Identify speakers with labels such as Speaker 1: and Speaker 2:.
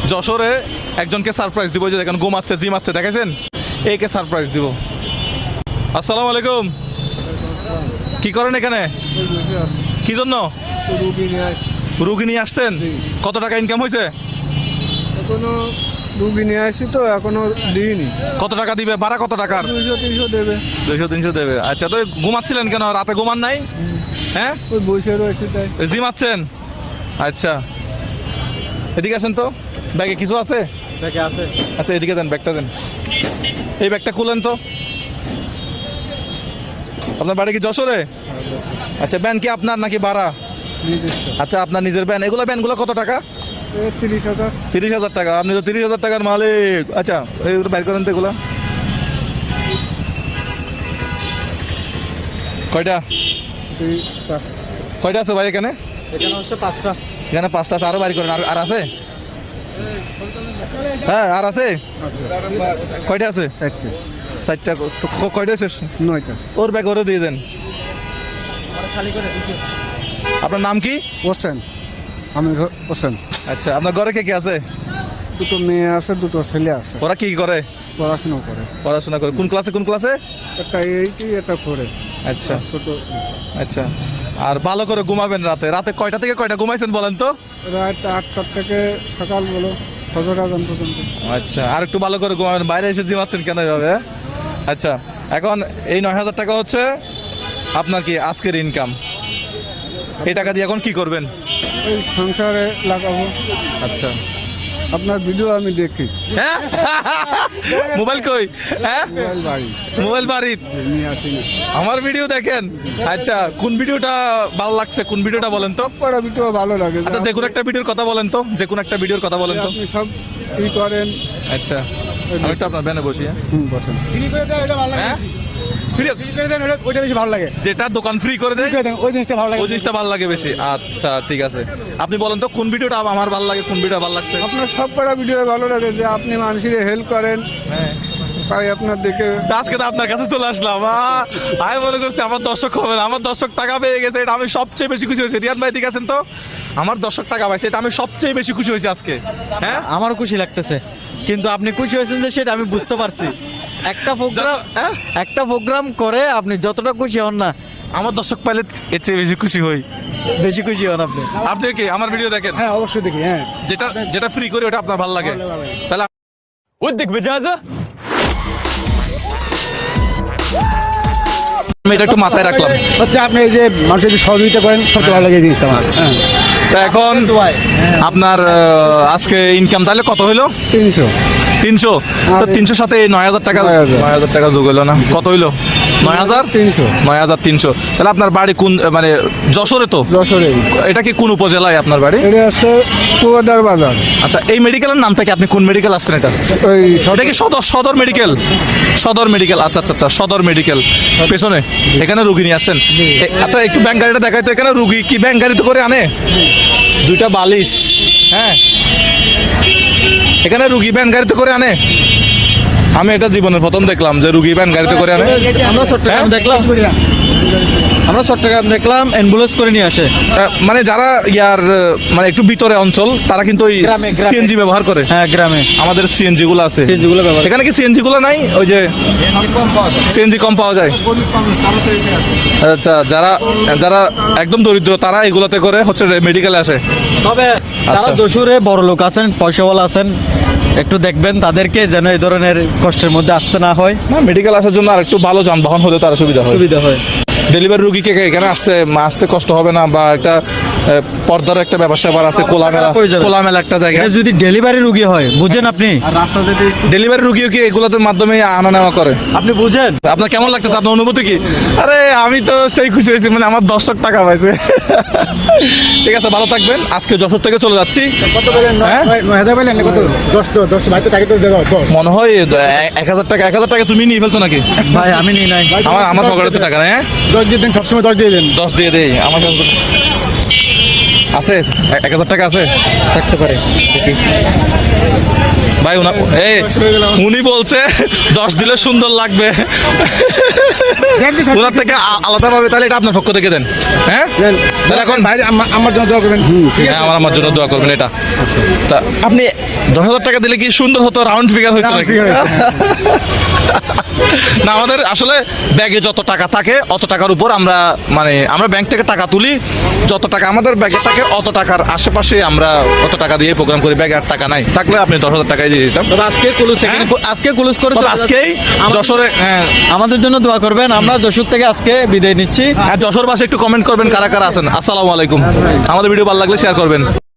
Speaker 1: যশোরে একজনকে সারপ্রাইজ দিব, যে দেখেন ঘুমাচ্ছে জিমাচ্ছে, দেখেছেন? একে সারপ্রাইজ দিব। আসসালামু আলাইকুম। কি করেন এখানে? কি জন্য? রুগী নিয়ে আসছেন? কত টাকা ইনকাম হয়েছে?
Speaker 2: এখনো রুগী নিয়ে আসছি তো এখনো দিইনি।
Speaker 1: কত টাকা দিবে? ভাড়া কত টাকার?
Speaker 2: 200-300 দেবে।
Speaker 1: 200-300 দেবে। আচ্ছা, তো ঘুমাচ্ছিলেন কেন? রাতে ঘুমান নাই? হ্যাঁ,
Speaker 2: ওই বসে রয়েছে তাই।
Speaker 1: জিমাচ্ছেন? আচ্ছা, এদিকে আসেন তো। ব্যাগে কিছু আছে?
Speaker 2: ব্যাগে আছে।
Speaker 1: আচ্ছা, এদিকে দেন, ব্যাগটা দেন। এই ব্যাগটা খুলেন তো। আপনার বাড়ি কি যশোরে? আচ্ছা, ব্যান কি আপনার নাকি ভাড়া? আচ্ছা, আপনার নিজের ব্যান। এগুলো ব্যানগুলো কত টাকা?
Speaker 2: 30,000।
Speaker 1: 30,000 টাকা। আপনি তো 30,000 টাকার মালিক। আচ্ছা, এইগুলো বাইর করেন তো। এগুলো কয়টা? কয়টা আছে ভাই এখানে?
Speaker 2: এখানে হচ্ছে 5টা।
Speaker 1: এখানে 5টা আছে। আরও বাইর করেন। আর আছে? হ্যাঁ, আর আছে? কয়টা আছে? 4টা। কয়টা আছে?
Speaker 2: 9টা।
Speaker 1: ওর ব্যাগ ওরে দিয়ে দেন। আপনার নাম কি?
Speaker 2: হোসেন। আমি হোসেন।
Speaker 1: আচ্ছা, আপনার ঘরে কে কে আছে?
Speaker 2: দুটো মেয়ে আছে, দুটো ছেলে আছে।
Speaker 1: ওরা কি করে?
Speaker 2: পড়াশোনা করে।
Speaker 1: পড়াশোনা করে। কোন ক্লাসে? কোন ক্লাসে?
Speaker 2: একটা এইটি, এটা করে।
Speaker 1: আচ্ছা
Speaker 2: ছোট।
Speaker 1: আচ্ছা। আর ভালো করে ঘুমাবেন রাতে। রাতে কয়টা থেকে কয়টা ঘুমাইছেন বলেন তো?
Speaker 2: রাত 8টার থেকে সকাল বলো ফজর আজান পর্যন্ত।
Speaker 1: আচ্ছা, আর একটু ভালো করে ঘুমাবেন। বাইরে এসে জিমাচ্ছেন কেন এভাবে? আচ্ছা, এখন এই 9,000 টাকা হচ্ছে আপনার কি আজকের ইনকাম। এই টাকা দিয়ে এখন কি করবেন?
Speaker 2: এই সংসারে লাগাবো।
Speaker 1: আচ্ছা।
Speaker 2: আপনার ভিডিও আমি দেখি।
Speaker 1: হ্যাঁ, মোবাইল কই? হ্যাঁ,
Speaker 2: মোবাইল বাড়ি
Speaker 1: মোবাইল বাড়ির।
Speaker 2: নিয়ে আসি না।
Speaker 1: আমার ভিডিও দেখেন? আচ্ছা, কোন ভিডিওটা ভালো লাগছে? কোন ভিডিওটা বলেন তো?
Speaker 2: পড়া ভিডিও ভালো লাগে।
Speaker 1: আচ্ছা, যে কোনো একটা ভিডিওর কথা বলেন তো। যে কোনো একটা ভিডিওর কথা বলেন তো।
Speaker 2: আপনি সব ই করেন।
Speaker 1: আচ্ছা, আমি একটু আপনার ব্যানে বসি।
Speaker 2: বসেন।
Speaker 1: হ্যাঁ, ফ্রি
Speaker 2: ওইটা বেশি ভালো লাগে।
Speaker 1: যেটা দোকান ফ্রি করে দেয়
Speaker 2: ওই জিনিসটা ভালো লাগে।
Speaker 1: ওই জিনিসটা ভালো লাগে বেশি। আচ্ছা, ঠিক আছে। আপনি বলেন তো কোন ভিডিওটা আমার ভালো লাগে, কোন ভিডিওটা ভালো লাগছে?
Speaker 2: আপনার সব পড়া ভিডিও ভালো লাগে, যে আপনি মানুষের হেল্প করেন।
Speaker 1: হ্যাঁ,
Speaker 2: তাই আপনার দেখে
Speaker 1: আজকে তো আপনার কাছে চলে আসলাম। আমি মনে করছি আমার দর্শক হবে না। আমার দর্শক টাকা পেয়ে গেছে, এটা আমি সবচেয়ে বেশি খুশি হয়েছি। রিয়ান ভাই দিকে আছেন তো? আমার দর্শক টাকা পাইছে, এটা আমি সবচেয়ে বেশি খুশি হয়েছি আজকে। হ্যাঁ,
Speaker 3: আমারও খুশি লাগতেছে, কিন্তু আপনি খুশি হয়েছেন যে সেটা আমি বুঝতে পারছি। একটা প্রোগ্রাম করে আপনি যতটা খুশি হন না,
Speaker 1: আমার দর্শক পাইলে এর চেয়ে বেশি খুশি হই।
Speaker 3: বেশি খুশি হন আপনি।
Speaker 1: আপনি কি আমার ভিডিও দেখেন?
Speaker 2: হ্যাঁ অবশ্যই দেখি। হ্যাঁ,
Speaker 1: যেটা যেটা ফ্রি করে ওটা আপনার ভালো লাগে। তাহলে
Speaker 3: ودك بجازة؟
Speaker 1: আমি এটা একটু মাথায় রাখলাম।
Speaker 2: হচ্ছে আপনি এই যে মানুষের যে সহযোগিতা করেন সবচেয়ে ভালো লাগে এই জিনিসটা আমার।
Speaker 1: তা এখন আপনার আজকে ইনকাম তাহলে কত হইলো?
Speaker 2: 300।
Speaker 1: 300। তো 300 সাথে 9,000 টাকা, 9,000 টাকা যোগ হইলো না? কত হইলো? 9,300। 9,300। তাহলে আপনার বাড়ি কোন, মানে যশোরে তো?
Speaker 2: যশোরে।
Speaker 1: এটা কি কোন উপজেলায় আপনার বাড়ি?
Speaker 2: এটা হচ্ছে কুয়াদার বাজার।
Speaker 1: আচ্ছা, এই মেডিকেলের নামটা কি? আপনি কোন মেডিকেল আসছেন এটা?
Speaker 2: ওই
Speaker 1: এটা কি সদর মেডিকেল? সদর মেডিকেল। আচ্ছা আচ্ছা আচ্ছা, সদর মেডিকেল পেছনে এখানে রুগী নিয়ে আসছেন। আচ্ছা, একটু ব্যাংক গাড়িটা দেখাই তো। এখানে রুগী কি ব্যাংক গাড়িতে করে আনে? 2টা বালিশ। হ্যাঁ, এখানে রুগী ব্যান গাড়িতে করে আনে? আমি এটা জীবনের প্রথম দেখলাম যে রুগী ব্যান গাড়িতে করে আনে।
Speaker 3: আমরা চট্টগ্রাম দেখলাম, অ্যাম্বুলেন্স করে নিয়ে আসে।
Speaker 1: মানে যারা মানে একটু ভিতরে অঞ্চল, তারা কিন্তু ওই
Speaker 3: গ্রামে।
Speaker 1: সিএনজি ব্যবহার করে।
Speaker 3: হ্যাঁ, গ্রামে
Speaker 1: আমাদের সিএনজি গুলো আছে।
Speaker 3: সিএনজি গুলো ব্যবহার।
Speaker 1: এখানে কি সিএনজি গুলো নাই? ওই যে সিএনজি কম পাওয়া যায়। আচ্ছা, যারা যারা একদম দরিদ্র তারা এগুলোতে করে হচ্ছে মেডিকেলে আসে।
Speaker 3: তবে
Speaker 1: আচ্ছা।
Speaker 3: যারা যশোরে বড় লোক আছেন, পয়সাওয়ালা আছেন, একটু দেখবেন তাদেরকে যেন এই ধরনের কষ্টের মধ্যে আসতে না হয়।
Speaker 1: না, মেডিকেল আসার জন্য আর একটু ভালো যানবাহন হলে তার সুবিধা হয়। ডেলিভারি রুগীকে এখানে আসতে কষ্ট হবে না, বা একটা পর্দার একটা ব্যবসা আছে, খোলামেলা একটা জায়গা।
Speaker 3: এটা যদি ডেলিভারি রুগী হয়, বুঝেন আপনি?
Speaker 2: রাস্তা যদি
Speaker 1: ডেলিভারি রুগীও কি এগুলোর মাধ্যমে আনা নেওয়া করে?
Speaker 3: আপনি বুঝেন?
Speaker 1: আপনার কেমন লাগতেছে? আপনার অনুভূতি কি? আরে আমি তো সেই খুশি হয়েছি, মানে আমার দর্শক টাকা পাইছে। ঠিক আছে, ভালো থাকবেন। আজকে যশোর থেকে চলে যাচ্ছি।
Speaker 2: কত বলেন?
Speaker 1: হ্যাঁ?
Speaker 2: 9,000 বলেন কত? 10 ভাই তো টাকা তো দেবো।
Speaker 1: মনে হয় 1,000 টাকা। 1,000 টাকা তুমি নিয়ে ফেলছো নাকি?
Speaker 3: ভাই আমি নিই নাই।
Speaker 1: আমার পকেটে তো টাকা নেই। হ্যাঁ,
Speaker 2: 10 দিয়ে দেন, সবসময় 10 দিয়ে দেন।
Speaker 1: 10 দিয়ে দেই। আমার কাছে আছে 1,000 টাকা আছে।
Speaker 3: থাকতে পারে।
Speaker 1: ভাই উনি বলছে 10 দিলে সুন্দর লাগবে ওনার থেকে আলাদাভাবে, তাহলে এটা আপনার পক্ষ থেকে দেন। হ্যাঁ তাহলে এখন
Speaker 2: ভাই আমার জন্য দোয়া করবেন।
Speaker 1: হ্যাঁ আমার জন্য দোয়া করবেন। এটা তা আপনি 10,000 টাকা দিলে কি সুন্দর হতো, রাউন্ড ফিগার হতো নাকি? না, আমাদের আসলে ব্যাগে যত টাকা থাকে অত টাকার উপর আমরা আমরা ব্যাংক থেকে টাকা তুলি, যত টাকা আমাদের ব্যাগে থাকে অত টাকার আশেপাশে আমরা অত টাকা দিয়ে প্রোগ্রাম করি। ব্যাগে আর টাকা নাই, থাকলে আপনি 10,000 টাকাই দিয়ে দিতাম।
Speaker 3: তবে আজকে ক্লোজ করে
Speaker 1: তবে আজকেই যশোরে
Speaker 3: আমাদের জন্য দোয়া করবেন। আমরা যশোর থেকে আজকে বিদায় নিচ্ছি।
Speaker 1: যশোর বাসে একটু কমেন্ট করবেন কারা কারা আছেন। আসসালামু আলাইকুম। আমাদের ভিডিও ভালো লাগলে শেয়ার করবেন।